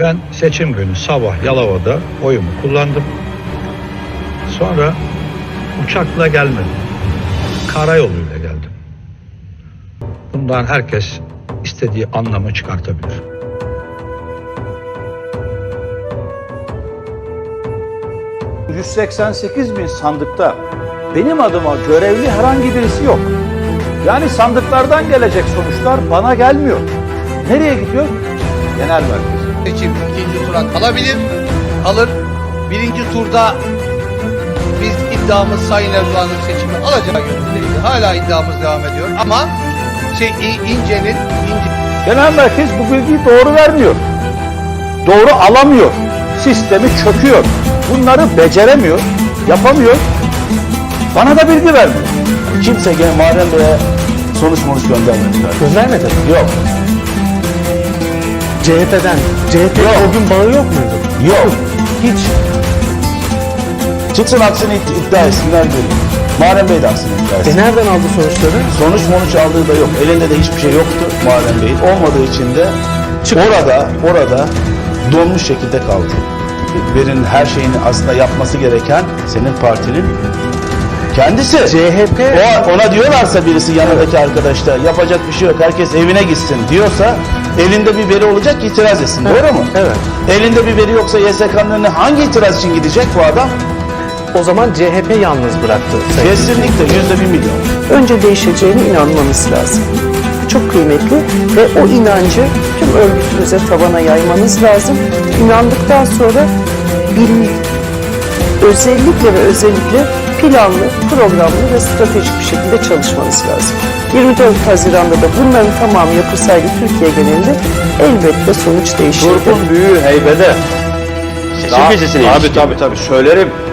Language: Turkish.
Ben seçim günü sabah Yalova'da oyumu kullandım. Sonra uçakla gelmedim. Karayoluyla geldim. Bundan herkes istediği anlamı çıkartabilir. ...188.000 sandıkta benim adıma görevli herhangi birisi yok. Yani sandıklardan gelecek sonuçlar bana gelmiyor. Nereye gidiyor? Genel merkez. Seçim ikinci tura kalabilir, kalır. Birinci turda biz iddiamız Sayın Erdoğan'ın seçimi alacağı yönündeydi. Hala iddiamız devam ediyor ama İnce Genel merkez bu bilgiyi doğru vermiyor. Doğru alamıyor. Sistemi çöküyor. Bunları beceremiyor, yapamıyor. Bana da bilgi vermiyor. Kimse Muharrem Bey'e sonuç göndermediler. Göndermedi mi? Yok. CHP'den. CHP'nin o gün bağı yok muydu? Yok. Hiç. Çıksın aksini iddia etsinler diyorum. Muharrem Bey de aksini iddia etsin. Nereden aldı sonuçları? Sonuç aldığı da yok. Elinde de hiçbir şey yoktu Muharrem Bey'in. Olmadığı için de orada donmuş şekilde kaldı. Verinin her şeyini aslında yapması gereken senin partinin kendisi. CHP. Ona diyorlarsa birisi yanındaki arkadaşlar yapacak bir şey yok, herkes evine gitsin diyorsa elinde bir veri olacak ki itiraz etsin. Evet. Doğru mu? Evet. Elinde bir veri yoksa YSK'nın önüne hangi itiraz için gidecek bu adam? O zaman CHP yalnız bıraktı. Kesinlikle %1 milyon. Önce değişeceğine inanmanız lazım. Çok kıymetli ve o inancı tüm örgütünüze, tabana yaymanız lazım. İnandıktan sonra özellikle planlı, programlı ve stratejik bir şekilde çalışmanız lazım. 24 Haziran'da da bunların tamamı yapılsaydı Türkiye genelinde elbette sonuç değişirdi. Turp'un büyüğü heybede. Seçim gecesine Tabii söylerim.